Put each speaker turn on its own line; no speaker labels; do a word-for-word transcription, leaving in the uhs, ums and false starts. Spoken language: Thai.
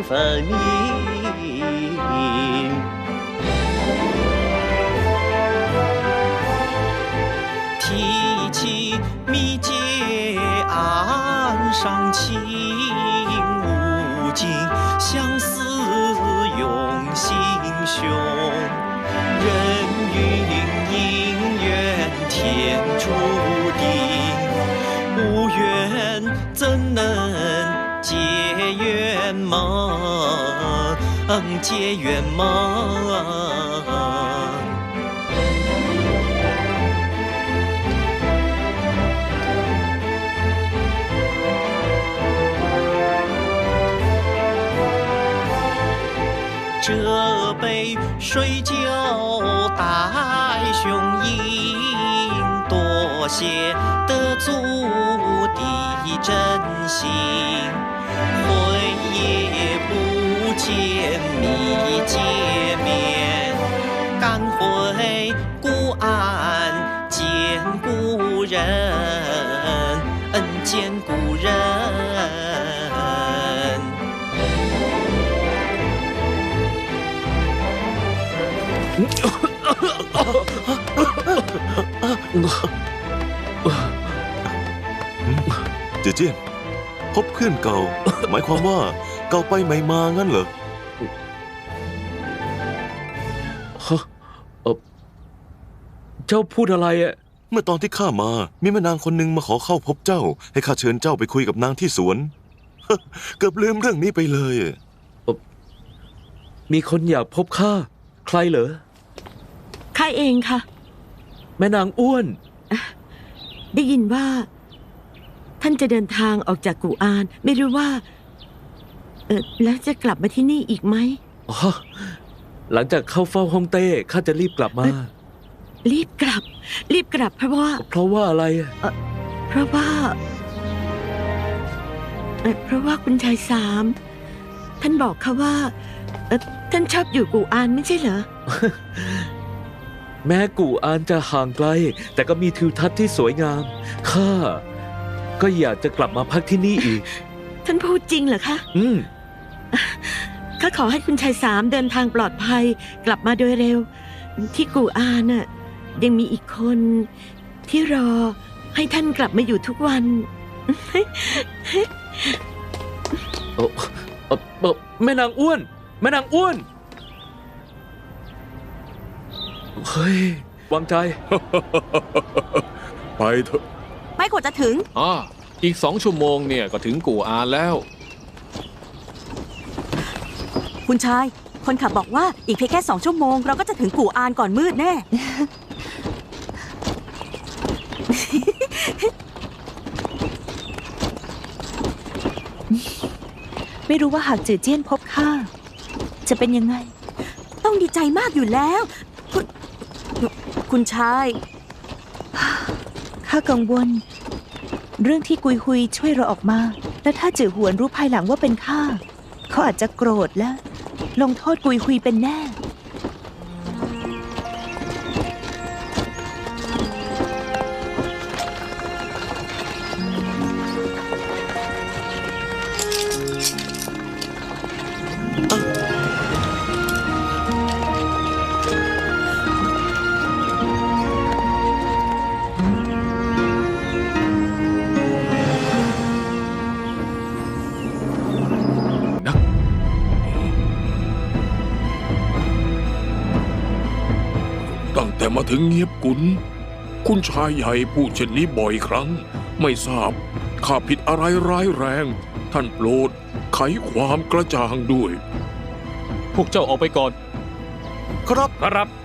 分明。提起密接岸上情无尽，相思涌心胸。人云姻缘天注定，无缘怎能结缘盟？结缘盟。这杯水酒待雄饮，多谢得足的真心。会也不见密见面，赶回故岸见故人，见故人。
เจเจี้ยนพบเพื่อนเก่า หมายความว่าเก่าไปใหม่มางั้นเหรอ
ฮะเออเจ้าพูดอะไรอ่ะ
เมื่อตอนที่ข้ามามีแม่นางคนหนึ่งมาขอเข้าพบเจ้าให้ข้าเชิญเจ้าไปคุยกับนางที่สวน เกือบลืมเรื่องนี้ไปเลย
มีคนอยากพบข้าใครเหรอ
ข้าเองค่ะ
แม่นางอ้วน
ได้ยินว่าท่านจะเดินทางออกจากกู่อานไม่รู้ว่าเออแล้วจะกลับมาที่นี่อีกไหม
อ๋อหลังจากเข้าเฝ้าฮ่องเต้ข้าจะรีบกลับมา
รีบกลับรีบกลับเพราะว่า
เพราะว่าอะไร
เออเพราะว่าเออเพราะว่าคุณชายสามท่านบอกเขาว่าเออท่านชอบอยู่กู่อานไม่ใช่เหรอ
แม้กู่อานจะห่างไกลแต่ก็มีทิวทัศน์ที่สวยงามข้าก็อยากจะกลับมาพักที่นี่อีก
ท่านพูดจริงเหรอคะ
อืม
ข้าขอให้คุณชายสามเดินทางปลอดภัยกลับมาโดยเร็วที่กู่อานน่ะยังมีอีกคนที่รอให้ท่านกลับมาอยู่ทุกวัน
โอ้แม่นางอ้วนแม่นางอ้วนเฮ้ยวางใจ
ไปเถอะ
ไม่กว่าจะถึง
อ่าอีกสองชั่วโมงเนี่ยก็ถึงกู่อานแล้ว
คุณชายคนขับบอกว่าอีกเพียงแค่สองชั่วโมงเราก็จะถึงกู่อานก่อนมืดแน่
ไม่รู้ว่าหากจือเจี้ยนพบข้าจะเป็นยังไง
ต้องดีใจมากอยู่แล้วคุณคุณชาย
ข้ากังวลเรื่องที่กุยฮุยช่วยเราออกมาและถ้าจือหวนรู้ภายหลังว่าเป็นข้าเขาอาจจะโกรธและลงโทษกุยฮุยเป็นแน่
แต่มาถึงเงียบกุนคุณชายใหญ่พูดเช่นนี้บ่อยครั้งไม่ทราบข้าผิดอะไรร้ายแรงท่านโปรดไขความกระจ่างด้วย
พวกเจ้าออกไปก่อน
ครับ
ครับ